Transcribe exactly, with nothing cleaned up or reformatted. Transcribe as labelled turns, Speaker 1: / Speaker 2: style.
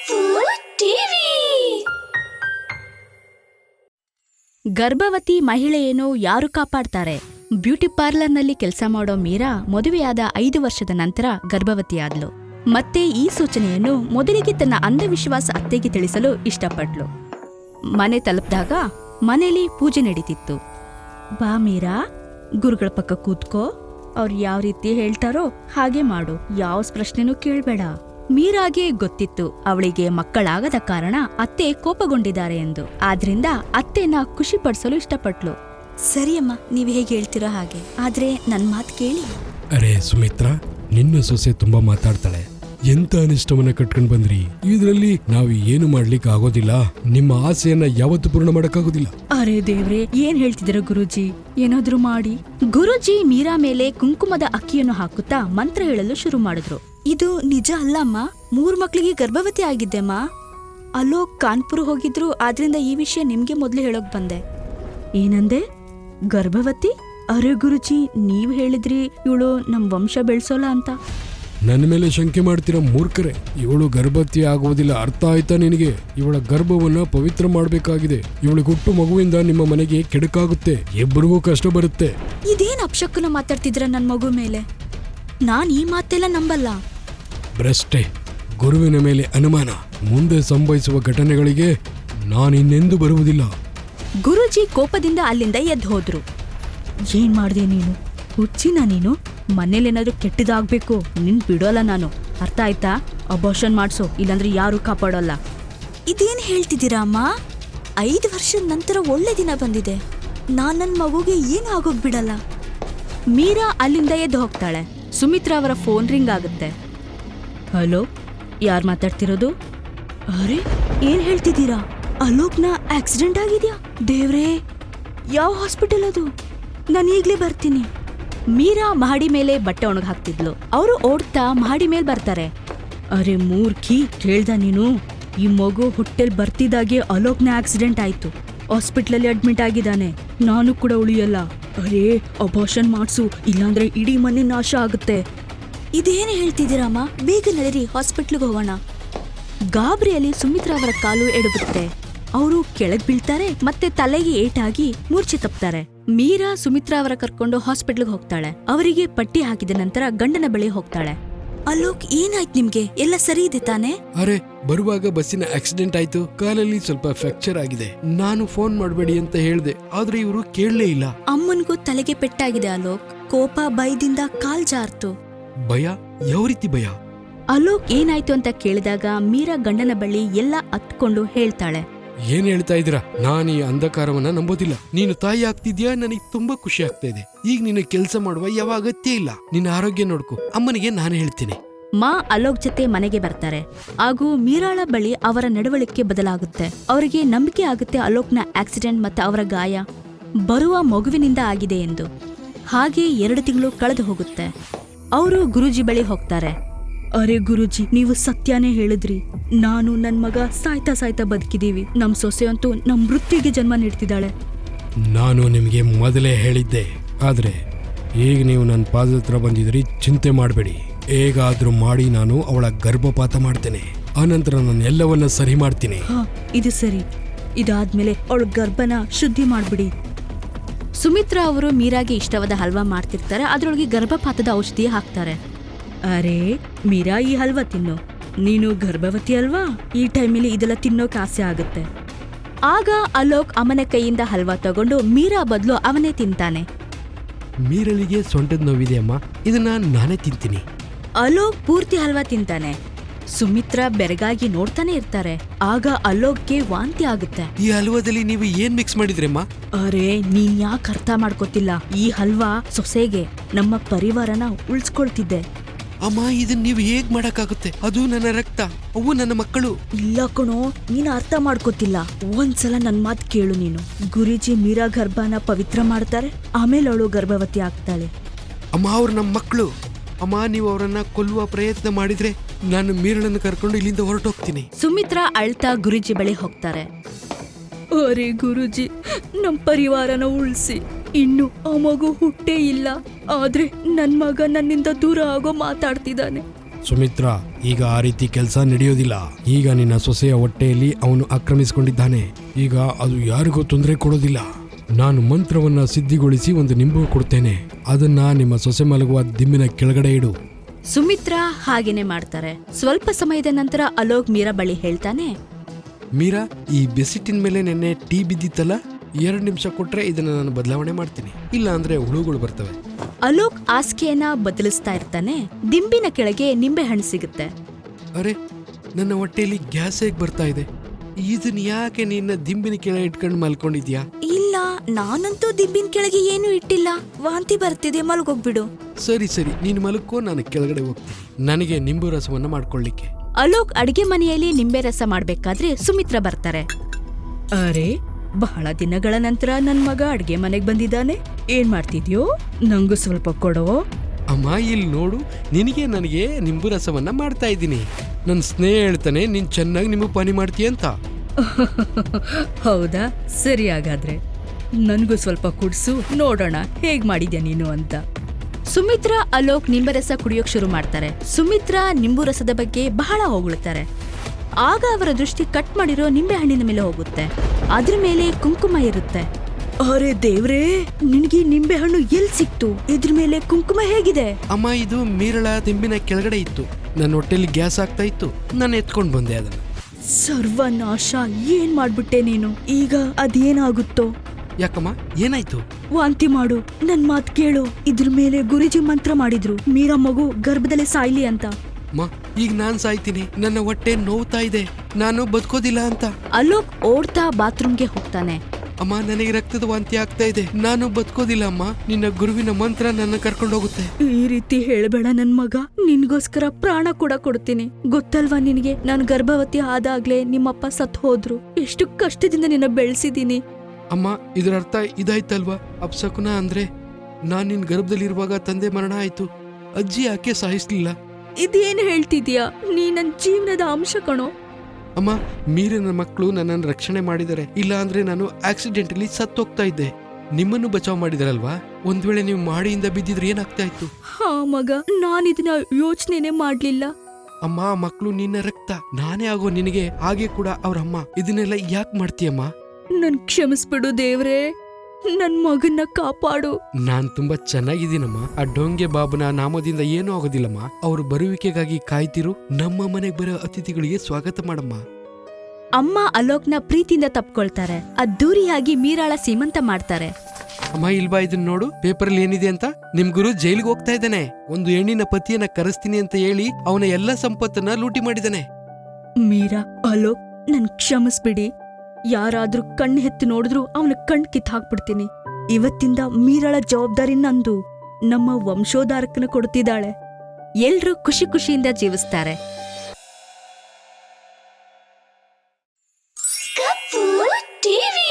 Speaker 1: ಗರ್ಭವತಿ ಮಹಿಳೆಯನ್ನು ಯಾರು ಕಾಪಾಡ್ತಾರೆ? ಬ್ಯೂಟಿ ಪಾರ್ಲರ್ನಲ್ಲಿ ಕೆಲಸ ಮಾಡೋ ಮೀರಾ ಮದುವೆಯಾದ ಐದು ವರ್ಷದ ನಂತರ ಗರ್ಭವತಿಯಾದ್ಲು. ಮತ್ತೆ ಈ ಸೂಚನೆಯನ್ನು ಮೊದಲಿಗೆ ತನ್ನ ಅಂಧವಿಶ್ವಾಸ ಅತ್ತೆಗೆ ತಿಳಿಸಲು ಇಷ್ಟಪಟ್ಲು. ಮನೆ ತಲುಪಿದಾಗ ಮನೇಲಿ ಪೂಜೆ ನಡೀತಿತ್ತು. ಬಾ ಮೀರಾ, ಗುರುಗಳ ಪಕ್ಕ ಕೂತ್ಕೋ. ಅವ್ರು ಯಾವ ರೀತಿ ಹೇಳ್ತಾರೋ ಹಾಗೆ ಮಾಡು, ಯಾವ ಪ್ರಶ್ನೆನೂ ಕೇಳ್ಬೇಡ. ಮೀರಾಗೆ ಗೊತ್ತಿತ್ತು ಅವಳಿಗೆ ಮಕ್ಕಳಾಗದ ಕಾರಣ ಅತ್ತೆ ಕೋಪಗೊಂಡಿದ್ದಾರೆ ಎಂದು. ಆದ್ರಿಂದ ಅತ್ತೆನ ಖುಷಿ ಪಡಿಸಲು ಇಷ್ಟಪಟ್ಲು. ಸರಿಯಮ್ಮ, ನೀವ್ ಹೇಗೆ ಹೇಳ್ತೀರಾ ಹಾಗೆ, ಆದ್ರೆ ನನ್ ಮಾತು ಕೇಳಿ.
Speaker 2: ಅರೆ ಸುಮಿತ್ರಾ, ನಿನ್ನ ಸೊಸೆ ತುಂಬಾ ಮಾತಾಡ್ತಾಳೆ. ಎಂತ ಅನಿಷ್ಟವನ್ನ ಕಟ್ಕೊಂಡ್ ಬಂದ್ರಿ. ಇದ್ರಲ್ಲಿ ನಾವು ಏನು ಮಾಡ್ಲಿಕ್ಕೆ ಆಗೋದಿಲ್ಲ. ನಿಮ್ಮ ಆಸೆಯನ್ನ ಯಾವತ್ತು ಪೂರ್ಣ ಮಾಡಕ್ಕಾಗೋದಿಲ್ಲ.
Speaker 1: ಅರೆ ದೇವ್ರೆ, ಏನ್ ಹೇಳ್ತಿದ್ದೀರ ಗುರುಜಿ, ಏನಾದ್ರೂ ಮಾಡಿ. ಗುರುಜಿ ಮೀರಾ ಮೇಲೆ ಕುಂಕುಮದ ಅಕ್ಕಿಯನ್ನು ಹಾಕುತ್ತಾ ಮಂತ್ರ ಹೇಳಲು ಶುರು ಮಾಡಿದ್ರು. ಇದು ನಿಜ ಅಲ್ಲಮ್ಮ, ಮೂರ್ ಮಕ್ಳಿಗೆ ಗರ್ಭವತಿ ಆಗಿದ್ದೆಮ್ಮ. ಅಲೋಕ್ ಕಾನ್ಪುರ್ ಹೋಗಿದ್ರು, ಆದ್ರಿಂದ ಈ ವಿಷಯ ನಿಮ್ಗೆ ಮೊದ್ಲು ಹೇಳೋಕ್ ಬಂದೆ. ಏನಂದೆ? ಗರ್ಭವತಿ? ಅರೆ ಗುರುಜಿ, ನೀವ್ ಹೇಳಿದ್ರಿ ಇವಳು ನಮ್ ವಂಶ ಬೆಳ್ಸೋಲ್ಲ ಅಂತ.
Speaker 2: ನನ್ನ ಮೇಲೆ ಶಂಕೆ ಮಾಡ್ತಿರೋ ಮೂರ್ಖರೆ, ಇವಳು ಗರ್ಭವತಿ ಆಗುವುದಿಲ್ಲ, ಅರ್ಥ ಆಯ್ತಾ ನಿನಗೆ? ಇವಳ ಗರ್ಭವನ್ನ ಪವಿತ್ರ ಮಾಡ್ಬೇಕಾಗಿದೆ. ಇವಳು ಹುಟ್ಟು ಮಗುವಿಂದ ನಿಮ್ಮ ಮನೆಗೆ ಕೆಡಕಾಗುತ್ತೆ, ಇಬ್ಬರಿಗೂ ಕಷ್ಟ ಬರುತ್ತೆ.
Speaker 1: ಇದೇನ್ ಅಪಶಕುನ ಮಾತಾಡ್ತಿದ್ರ ನನ್ ಮಗು ಮೇಲೆ? ನಾನ್ ಈ ಮಾತೆಲ್ಲ ನಂಬಲ್ಲ.
Speaker 2: ಭ್ರಷ್ಟೆ, ಗುರುವಿನ ಮೇಲೆ ಅನುಮಾನ. ಮುಂದೆ ಸಂಭವಿಸುವ ಘಟನೆಗಳಿಗೆ ನಾನಿನ್ನೆಂದೂ ಬರುವುದಿಲ್ಲ.
Speaker 1: ಗುರುಜಿ ಕೋಪದಿಂದ ಅಲ್ಲಿಂದ ಎದ್ದು ಹೋದ್ರು. ಏನ್ ಮಾಡ್ದೆ ನೀನು? ಹುಚ್ಚಿನ ನೀನು? ಮನೇಲೇನಾದ್ರೂ ಕೆಟ್ಟದಾಗ್ಬೇಕು, ನಿನ್ ಬಿಡೋಲ್ಲ ನಾನು, ಅರ್ಥ ಆಯ್ತಾ? ಅಬೋಷನ್ ಮಾಡ್ಸು, ಇಲ್ಲಾಂದ್ರೆ ಯಾರು ಕಾಪಾಡೋಲ್ಲ. ಇದೇನ್ ಹೇಳ್ತಿದ್ದೀರಾ ಅಮ್ಮ? ಐದು ವರ್ಷದ ನಂತರ ಒಳ್ಳೆ ದಿನ ಬಂದಿದೆ, ನಾನ್ ನನ್ ಮಗುಗೆ ಏನು ಆಗೋಗ್ ಬಿಡಲ್ಲ. ಮೀರಾ ಅಲ್ಲಿಂದ ಎದ್ದು ಹೋಗ್ತಾಳೆ. ಸುಮಿತ್ರಾ ಅವರ ಫೋನ್ ರಿಂಗ್ ಆಗುತ್ತೆ. ಹಲೋ, ಯಾರ್ ಮಾತಾಡ್ತಿರೋದು? ಅರೆ, ಏನ್ ಹೇಳ್ತಿದ್ದೀರಾ? ಅಲೋಕ್ನ ಆಕ್ಸಿಡೆಂಟ್ ಆಗಿದ್ಯಾ? ದೇವ್ರೇ, ಯಾವ ಹಾಸ್ಪಿಟಲ್ ಅದು? ನಾನು ಈಗ್ಲೇ ಬರ್ತೀನಿ. ಮೀರಾ ಮಹಡಿ ಮೇಲೆ ಬಟ್ಟೆ ಒಣಗ ಹಾಕ್ತಿದ್ಲು. ಅವರು ಓಡ್ತಾ ಮಹಡಿ ಮೇಲ್ ಬರ್ತಾರೆ. ಅರೆ ಮೂರ್ಖಿ, ಕೇಳ್ದ ನೀನು? ಈ ಮಗು ಹೊಟ್ಟೆಲ್ ಬರ್ತಿದ್ದಾಗೆ ಅಲೋಕ್ನ ಆಕ್ಸಿಡೆಂಟ್ ಆಯ್ತು, ಹಾಸ್ಪಿಟ್ಲಲ್ಲಿ ಅಡ್ಮಿಟ್ ಆಗಿದ್ದಾನೆ. ನಾನು ಕೂಡ ಉಳಿಯಲ್ಲ. ಅರೇ, ಅಬೋಷನ್ ಮಾಡ್ಸು, ಇಲ್ಲಾಂದ್ರೆ ಇಡೀ ಮನೆ ನಾಶ ಆಗುತ್ತೆ. ಇದೇನು ಹೇಳ್ತಿದ್ದೀರಮ್ಮ? ಬೇಗ ನಡೀರಿ, ಹಾಸ್ಪಿಟ್ಲಿಗೆ ಹೋಗೋಣ. ಗಾಬರಿಯಲ್ಲಿ ಸುಮಿತ್ರಾ ಅವರ ಕಾಲು ಎಡಗುತ್ತೆ. ಅವರು ಕೆಳಗ್ ಬೀಳ್ತಾರೆ, ಮತ್ತೆ ತಲೆಗೆ ಏಟಾಗಿ ಮೂರ್ಛೆ ತಪ್ತಾರೆ. ಮೀರಾ ಸುಮಿತ್ರಾ ಅವರ ಕರ್ಕೊಂಡು ಹಾಸ್ಪಿಟ್ಲ್ಗೆ ಹೋಗ್ತಾಳೆ. ಅವರಿಗೆ ಪಟ್ಟಿ ಹಾಕಿದ ನಂತರ ಗಂಡನ ಬಳಿ ಹೋಗ್ತಾಳೆ. ಅಲೋಕ್, ಏನಾಯ್ತು ನಿಮ್ಗೆ? ಎಲ್ಲ ಸರಿ ಇದೆ ತಾನೆ?
Speaker 2: ಅರೆ, ಬರುವಾಗ ಬಸ್ಸಿನ ಆಕ್ಸಿಡೆಂಟ್ ಆಯ್ತು, ಕಾಲಲ್ಲಿ ಸ್ವಲ್ಪ ಫ್ರಾಕ್ಚರ್ ಆಗಿದೆ. ನಾನು ಫೋನ್ ಮಾಡಬೇಡಿ ಅಂತ ಹೇಳ್ದೆ, ಆದ್ರೆ ಇವರು ಕೇಳಲೇ ಇಲ್ಲ.
Speaker 1: ಅಮ್ಮನ್ಗೂ ತಲೆಗೆ ಪೆಟ್ಟಾಗಿದೆ ಅಲೋಕ್. ಕೋಪ ಭಯದಿಂದ ಕಾಲ್ ಜಾರ್ತು.
Speaker 2: ಭಯ? ಯಾವ ರೀತಿ ಭಯ?
Speaker 1: ಅಲೋಕ್ ಏನಾಯ್ತು ಅಂತ ಕೇಳಿದಾಗ ಮೀರಾ ಗಂಡನ ಬಳಿ ಎಲ್ಲ ಹತ್ಕೊಂಡು ಹೇಳ್ತಾಳೆ.
Speaker 2: ಏನ್ ಹೇಳ್ತಾ ಇದ್ದೀರಾ? ನಾನು ಈ ಅಂಧಕಾರವನ್ನ ನಂಬೋದಿಲ್ಲ. ನೀನು ತಾಯಿ ಆಗ್ತಿದ್ಯಾ, ನನಗೆ ತುಂಬಾ ಖುಷಿ ಆಗ್ತಾ ಇದೆ. ಈಗ ನಿನ್ನ ಕೆಲಸ ಮಾಡುವ ಯಾವ ಅಗತ್ಯ ಇಲ್ಲ. ನಿನ್ನ ಆರೋಗ್ಯ ನೋಡ್ಕೊ, ಅಮ್ಮನಿಗೆ ನಾನು ಹೇಳ್ತೀನಿ.
Speaker 1: ಮಾ ಅಲೋಕ್ ಜೊತೆ ಮನೆಗೆ ಬರ್ತಾರೆ. ಹಾಗೂ ಮೀರಾಳ ಬಳಿ ಅವರ ನಡವಳಿಕೆ ಬದಲಾಗುತ್ತೆ. ಅವರಿಗೆ ನಂಬಿಕೆ ಆಗುತ್ತೆ ಅಲೋಕ್ನ ಆಕ್ಸಿಡೆಂಟ್ ಮತ್ತೆ ಅವರ ಗಾಯ ಬರುವ ಮಗುವಿನಿಂದ ಆಗಿದೆ ಎಂದು. ಹಾಗೆ ಎರಡು ತಿಂಗಳು ಕಳೆದು ಹೋಗುತ್ತೆ. ಅವರು ಗುರೂಜಿ ಬಳಿ ಹೋಗ್ತಾರೆ. ಅರೆ ಗುರುಜಿ, ನೀವು ಸತ್ಯನೇ ಹೇಳಿದ್ರಿ. ನಾನು ನನ್ ಮಗ ಸಾಯ್ತಾ ಸಾಯ್ತಾ ಬದುಕಿದೀವಿ. ನಮ್ ಸೊಸೆಯಂತೂ ನಮ್ ಮೃತ್ಯುಗೆ ಜನ್ಮ ನೀಡ್ತಿದ್ದಾಳೆ.
Speaker 2: ನಾನು ನಿಮಗೆ ಮೊದಲೇ ಹೇಳಿದ್ದೆ, ಆದ್ರೆ ಈಗ ನೀವು ನನ್ನ ಪಾದ ಹತ್ರ ಬಂದಿದ್ರಿ. ಚಿಂತೆ ಮಾಡಬೇಡಿ, ಹೇಗಾದ್ರೂ ಮಾಡಿ ನಾನು ಅವಳ ಗರ್ಭಪಾತ ಮಾಡ್ತೇನೆ. ಆನಂತರ ನಾನು ಎಲ್ಲವನ್ನ ಸರಿ ಮಾಡ್ತೀನಿ.
Speaker 1: ಹಾ, ಇದು ಸರಿ. ಇದಾದ್ಮೇಲೆ ಅವಳ ಗರ್ಭನ ಶುದ್ಧಿ ಮಾಡ್ಬಿಡಿ. ಸುಮಿತ್ರಾ ಅವರು ಮೀರಾಗೆ ಇಷ್ಟವಾದ ಹಲ್ವಾ ಮಾಡ್ತಿರ್ತಾರೆ. ಅದ್ರೊಳಗೆ ಗರ್ಭಪಾತದ ಔಷಧಿ ಹಾಕ್ತಾರೆ. ಅರೆ ಮೀರಾ, ಈ ಹಲ್ವಾ ತಿನ್ನು, ನೀನು ಗರ್ಭವತಿ ಅಲ್ವಾ? ಈ ಟೈಮಲ್ಲಿ ಇದೆಲ್ಲ ತಿನ್ನೋಕೆ ಆಸೆ ಆಗುತ್ತೆ. ಆಗ ಅಲೋಕ್ ಅಮ್ಮನ ಕೈಯಿಂದ ಹಲ್ವಾ ತಗೊಂಡು ಮೀರಾ ಬದಲು ಅವನೇ ತಿಂತಾನೆ.
Speaker 2: ಮೀರಲಿಗೆ ಸೊಂಟದ ನೋವಿದೆ ಅಮ್ಮ, ಇದನ್ನ ನಾನೇ ತಿಂತೀನಿ.
Speaker 1: ಅಲೋಕ್ ಪೂರ್ತಿ ಹಲ್ವಾ ತಿಂತಾನೆ. ಸುಮಿತ್ರಾ ಬೆರಗಾಗಿ ನೋಡ್ತಾನೆ ಇರ್ತಾರೆ. ಆಗ ಅಲೋಕ್ಗೆ ವಾಂತಿ ಆಗುತ್ತೆ.
Speaker 2: ಈ ಹಲ್ವಾದಲ್ಲಿ ನೀವು ಏನ್ ಮಿಕ್ಸ್ ಮಾಡಿದ್ರಮ್ಮ?
Speaker 1: ಅರೆ, ನೀನ್ ಯಾಕೆ ಅರ್ಥ ಮಾಡ್ಕೋತಿಲ್ಲ? ಈ ಹಲ್ವಾ ಸೊಸೆಗೆ ನಮ್ಮ ಪರಿವಾರನ ಉಳಿಸ್ಕೊಳ್ತಿದ್ದೆ.
Speaker 2: ಅಮ್ಮ, ಇದನ್ನ ನೀವು ಹೇಗ್ ಮಾಡಕ್ಕಾಗುತ್ತೆ? ಅದು ನನ್ನ ರಕ್ತ, ಅವು ನನ್ನ ಮಕ್ಕಳು.
Speaker 1: ಇಲ್ಲ ಕಣೋ, ನೀನು ಅರ್ಥ ಮಾಡ್ಕೋತಿಲ್ಲ. ಒಂದ್ಸಲ ನನ್ ಮಾತ್ ಕೇಳು ನೀನು. ಗುರೂಜಿ ಮೀರಾ ಗರ್ಭನ ಪವಿತ್ರ ಮಾಡ್ತಾರೆ, ಆಮೇಲೆ ಅವಳು ಗರ್ಭವತಿ ಆಗ್ತಾಳೆ.
Speaker 2: ಅಮ್ಮ, ಅವ್ರು ನಮ್ಮ ಮಕ್ಕಳು. ಅಮ್ಮ, ನೀವು ಅವರನ್ನ ಕೊಲ್ಲುವ ಪ್ರಯತ್ನ ಮಾಡಿದ್ರೆ ನಾನು ಮೀರಳನ್ನು ಕರ್ಕೊಂಡು ಇಲ್ಲಿಂದ ಹೊರಟೋಗ್ತೀನಿ.
Speaker 1: ಸುಮಿತ್ರಾ ಅಳ್ತಾ ಗುರೂಜಿ ಬಳಿ ಹೋಗ್ತಾರೆ. ಅರೆ ಗುರೂಜಿ, ನಮ್ ಪರಿವಾರನ ಉಳಿಸಿ. ಇನ್ನು ಆ ಮಗು ಹುಟ್ಟೇ ಇಲ್ಲ, ಆದ್ರೆ ನನ್ ಮಗ ನನ್ನಿಂದ ದೂರ ಆಗೋ ಮಾತಾಡ್ತಿದ್ದಾನೆ.
Speaker 2: ಸುಮಿತ್ರಾ, ಈಗ ಆ ರೀತಿ ಕೆಲಸ ನಡೆಯೋದಿಲ್ಲ. ಈಗ ನಿನ್ನ ಸೊಸೆಯ ಹೊಟ್ಟೆಯಲ್ಲಿ ಅವನು ಆಕ್ರಮಿಸಿಕೊಂಡಿದ್ದಾನೆ. ಈಗ ಅದು ಯಾರಿಗೂ ತೊಂದರೆ ಕೊಡೋದಿಲ್ಲ. ನಾನು ಮಂತ್ರವನ್ನ ಸಿದ್ಧಿಗೊಳಿಸಿ ಒಂದು ನಿಂಬು ಕೊಡ್ತೇನೆ. ಅದನ್ನ ನಿಮ್ಮ ಸೊಸೆ ಮಲಗುವ ದಿಂಬಿನ ಕೆಳಗಡೆ ಇಡು.
Speaker 1: ಸುಮಿತ್ರಾ ಹಾಗೇನೆ ಮಾಡ್ತಾರೆ. ಸ್ವಲ್ಪ ಸಮಯದ ನಂತರ ಅಲೋಕ್ ಮೀರಾ ಬಳಿ ಹೇಳ್ತಾನೆ,
Speaker 2: ಮೀರಾ, ಈ ಬೆಸಿಟ್ಟಿನ ಮೇಲೆ ನೆನ್ನೆ ಟೀ ಬಿದ್ದಿತ್ತಲ್ಲ, ಎರಡು ನಿಮಿಷ ಕೊಟ್ರೆ ಇದನ್ನ ನಾನು ಬದಲಾವಣೆ ಮಾಡ್ತೀನಿ, ಇಲ್ಲ ಅಂದ್ರೆ ಹುಳುಗಳು ಬರ್ತವೆ.
Speaker 1: ಅಲೋಕ್ ಹಾಸಿಗೆಯನ್ನ ಬದಲಿಸ್ತಾ ಇರ್ತಾನೆ. ದಿಂಬಿನ ಕೆಳಗೆ ನಿಂಬೆ ಹಣ್ಣು ಸಿಗುತ್ತೆ.
Speaker 2: ಅರೆ, ನನ್ನ ಹೊಟ್ಟೆಯಲ್ಲಿ ಗ್ಯಾಸ್ ಹೇಗೆ ಬರ್ತಾ ಇದೆ? ಇದನ್ನ ಯಾಕೆ ನಿನ್ನ ದಿಂಬಿನ ಕೆಳಗೆ ಇಟ್ಕೊಂಡು ಮಲ್ಕೊಂಡಿದ್ಯಾ?
Speaker 1: ಇಲ್ಲ, ನಾನಂತೂ ದಿಂಬಿನ ಕೆಳಗೆ ಏನು ಇಟ್ಟಿಲ್ಲ. ವಾಂತಿ ಬರ್ತಿದೆ, ಮಲ್ಗೋಗ್ಬಿಡು.
Speaker 2: ಸರಿ ಸರಿ, ನೀನು ಮಲಕ್ಕೋ, ನಾನು ಕೆಳಗಡೆ ಹೋಗ್ತೀನಿ ನನಗೆ ನಿಂಬು ರಸವನ್ನ ಮಾಡ್ಕೊಳ್ಳಿಕ್ಕೆ.
Speaker 1: ಅಲೋಕ್ ಅಡಿಗೆ ಮನೆಯಲ್ಲಿ ನಿಂಬೆ ರಸ ಮಾಡ್ಬೇಕಾದ್ರೆ ಸುಮಿತ್ರಾ ಬರ್ತಾರೆ. ಅರೆ, ಬಹಳ ದಿನಗಳ ನಂತರ ನನ್ ಮಗ ಅಡ್ಗೆ ಮನೆಗ್ ಬಂದಿದ್ದಾನೆ. ಏನ್ ಮಾಡ್ತಿದ್ಯೋ? ನಂಗೂ ಸ್ವಲ್ಪ ಕೊಡೋ.
Speaker 2: ಅಮ್ಮ, ಇಲ್ಲಿ ನೋಡು, ನಿನಗೆ ನನಗೆ ನಿಂಬು ರಸವನ್ನ ಮಾಡ್ತಾ ಇದ್ದೀನಿ. ನನ್ನ ಸ್ನೇಹ ಹೇಳ್ತಾನೆ ನೀನ್ ಚೆನ್ನಾಗಿ ನಿಂಬು ಪಾನಿ ಮಾಡ್ತೀಯ ಅಂತ.
Speaker 1: ಹೌದಾ? ಸರಿ, ಹಾಗಾದ್ರೆ ನನ್ಗೂ ಸ್ವಲ್ಪ ಕುಡ್ಸು, ನೋಡೋಣ ಹೇಗ್ ಮಾಡಿದ್ಯಾ ನೀನು ಅಂತ. ಸುಮಿತ್ರಾ ಅಲೋಕ್ ನಿಂಬೆ ರಸ ಕುಡಿಯೋಕ್ ಶುರು ಮಾಡ್ತಾರೆ. ಸುಮಿತ್ರಾ ನಿಂಬು ರಸದ ಬಗ್ಗೆ ಬಹಳ ಹೊಗಳುತ್ತಾರೆ. ಆಗ ಅವರ ದೃಷ್ಟಿ ಕಟ್ ಮಾಡಿರೋ ನಿಂಬೆ ಹಣ್ಣಿನ ಮೇಲೆ ಹೋಗುತ್ತೆ. ಅದ್ರ ಮೇಲೆ ಕುಂಕುಮ ಇರುತ್ತೆ. ಅರೆ ದೇವ್ರೇ, ನಿನ್ಗೆ ನಿಂಬೆ ಹಣ್ಣು ಎಲ್ ಸಿಕ್ತು? ಇದ್ರ ಮೇಲೆ ಕುಂಕುಮ ಹೇಗಿದೆ?
Speaker 2: ಅಮ್ಮ, ಇದು ಮೀರಳ ದಿಂಬಿನ ಕೆಳಗಡೆ ಇತ್ತು. ನನ್ನ ಹೊಟ್ಟೆಲಿ ಗ್ಯಾಸ್ ಆಗ್ತಾ ಇತ್ತು, ನಾನು ಎತ್ಕೊಂಡ್ ಬಂದೆ ಅದನ್ನ.
Speaker 1: ಸರ್ವನಾಶ, ಏನ್ ಮಾಡ್ಬಿಟ್ಟೆ ನೀನು? ಈಗ ಅದೇನಾಗುತ್ತೋ?
Speaker 2: ಯಾಕಮ್ಮ, ಏನಾಯ್ತು?
Speaker 1: ವಾಂತಿ ಮಾಡು, ನನ್ ಮಾತ್ ಕೇಳು. ಇದ್ರ ಮೇಲೆ ಗುರುಜಿ ಮಂತ್ರ ಮಾಡಿದ್ರು, ಮೀರಾ ಮಗು ಗರ್ಭದಲ್ಲಿ ಸಾಯ್ಲಿ ಅಂತ.
Speaker 2: ಅಮ್ಮ, ಈಗ ನಾನ್ ಸಾಯ್ತೀನಿ, ನನ್ನ ಹೊಟ್ಟೆ ನೋವ್ತಾ ಇದೆ, ನಾನು ಬದುಕೋದಿಲ್ಲ ಅಂತ.
Speaker 1: ಅಲೋಕ್ ಓಡ್ತಾ ಬಾತ್ರೂಮ್ಗೆ ಹೋಗ್ತಾನೆ.
Speaker 2: ಅಮ್ಮ, ನನಗೆ ರಕ್ತದ ವಾಂತಿ ಆಗ್ತಾ ಇದೆ, ನಾನು ಬದುಕೋದಿಲ್ಲ ಅಮ್ಮ. ನಿನ್ನ ಗುರುವಿನ ಮಂತ್ರ ನನ್ನ ಕರ್ಕೊಂಡೋಗುತ್ತೆ.
Speaker 1: ಈ ರೀತಿ ಹೇಳ್ಬೇಡ ನನ್ ಮಗ, ನಿನ್ಗೋಸ್ಕರ ಪ್ರಾಣ ಕೂಡ ಕೊಡ್ತೀನಿ. ಗೊತ್ತಲ್ವಾ ನಿನಗೆ, ನಾನ್ ಗರ್ಭವತಿ ಆದಾಗ್ಲೇ ನಿಮ್ಮಪ್ಪ ಸತ್ ಹೋದ್ರು. ಎಷ್ಟು ಕಷ್ಟದಿಂದ ನಿನ್ನ ಬೆಳೆಸಿದೀನಿ.
Speaker 2: ಅಮ್ಮ, ಇದರ ಅರ್ಥ ಇದಾಯ್ತಲ್ವಾ? ಅಪ್ಸಕುನ ಅಂದ್ರೆ ನಾನ್ ನಿನ್ ಗರ್ಭದಲ್ಲಿರುವಾಗ ತಂದೆ ಮರಣ ಆಯ್ತು, ಅಜ್ಜಿ ಯಾಕೆ ಸಾಯಿಸ್ಲಿಲ್ಲ?
Speaker 1: ಇದೇನ್ ಹೇಳ್ತಿದ್ಯಾ? ನೀ ನನ್ ಜೀವನದ ಅಂಶ ಕಣೋ.
Speaker 2: ಅಮ್ಮ, ಮೀರಿನ ಮಕ್ಕಳು ನನ್ನನ್ನು ರಕ್ಷಣೆ ಮಾಡಿದ್ದಾರೆ, ಇಲ್ಲ ಅಂದ್ರೆ ನಾನು ಆಕ್ಸಿಡೆಂಟಲಿ ಸತ್ತೋಗ್ತಾ ಇದ್ದೆ. ನಿಮ್ಮನ್ನು ಬಚಾವ್ ಮಾಡಿದಾರಲ್ವಾ? ಒಂದ್ ವೇಳೆ ನೀವು ಮಾಡಿಯಿಂದ ಬಿದ್ದಿದ್ರೆ ಏನಾಗ್ತಾ ಇತ್ತು?
Speaker 1: ಹಾ ಮಗ, ನಾನ್ ಇದನ್ನ ಯೋಚನೆನೆ ಮಾಡ್ಲಿಲ್ಲ.
Speaker 2: ಅಮ್ಮ, ಮಕ್ಕಳು ನಿನ್ನ ರಕ್ತ, ನಾನೇ ಆಗೋ ನಿನಗೆ ಹಾಗೆ ಕೂಡ ಅವ್ರ ಅಮ್ಮ. ಇದನ್ನೆಲ್ಲ ಯಾಕೆ ಮಾಡ್ತೀಯಮ್ಮ?
Speaker 1: ನನ್ ಕ್ಷಮಿಸ್ಬಿಡು ದೇವ್ರೇ, ನನ್ ಮಗನ್ನ ಕಾಪಾಡು.
Speaker 2: ನಾನ್ ತುಂಬಾ ಚೆನ್ನಾಗಿದ್ದೀನಮ್ಮ. ಆ ಡೋಂಗೆ ಬಾಬನ ನಾಮದಿಂದ ಏನೂ ಆಗೋದಿಲ್ಲಮ್ಮ. ಅವ್ರ ಬರುವಿಕೆಗಾಗಿ ಕಾಯ್ತಿರು. ನಮ್ಮ ಮನೆಗೆ ಬರೋ ಅತಿಥಿಗಳಿಗೆ ಸ್ವಾಗತ ಮಾಡಮ್ಮ.
Speaker 1: ಅಮ್ಮ ಅಲೋಕ್ನ ಪ್ರೀತಿಯಿಂದ ತಪ್ಕೊಳ್ತಾರೆ. ಅದ್ದೂರಿಯಾಗಿ ಮೀರಾಳ ಸೀಮಂತ ಮಾಡ್ತಾರೆ.
Speaker 2: ಅಮ್ಮ, ಇಲ್ಬಾ, ಇದನ್ನ ನೋಡು, ಪೇಪರ್ ಅಲ್ಲಿ ಏನಿದೆ ಅಂತ. ನಿಮ್ ಗುರು ಜೈಲಿಗೆ ಹೋಗ್ತಾ ಇದ್ದಾನೆ. ಒಂದು ಹೆಣ್ಣಿನ ಪತಿಯನ್ನ ಕರೆಸ್ತೀನಿ ಅಂತ ಹೇಳಿ ಅವನ ಎಲ್ಲಾ ಸಂಪತ್ತನ್ನ ಲೂಟಿ ಮಾಡಿದಾನೆ.
Speaker 1: ಮೀರಾ, ಅಲೋಕ್, ನನ್ ಕ್ಷಮಿಸ್ಬಿಡಿ. ಯಾರಾದ್ರೂ ಕಣ್ಣು ಎತ್ತಿ ನೋಡಿದ್ರು ಅವನ ಕಣ್ ಕಿತ್ ಹಾಕ್ಬಿಡ್ತೀನಿ. ಇವತ್ತಿಂದ ಮೀರಾಳ ಜವಾಬ್ದಾರಿ ನಂದು. ನಮ್ಮ ವಂಶೋಧಾರಕನ ಕೊಡ್ತಿದ್ದಾಳೆ. ಎಲ್ರೂ ಖುಷಿ ಖುಷಿಯಿಂದ ಜೀವಿಸ್ತಾರೆ.
Speaker 3: Kapoor TV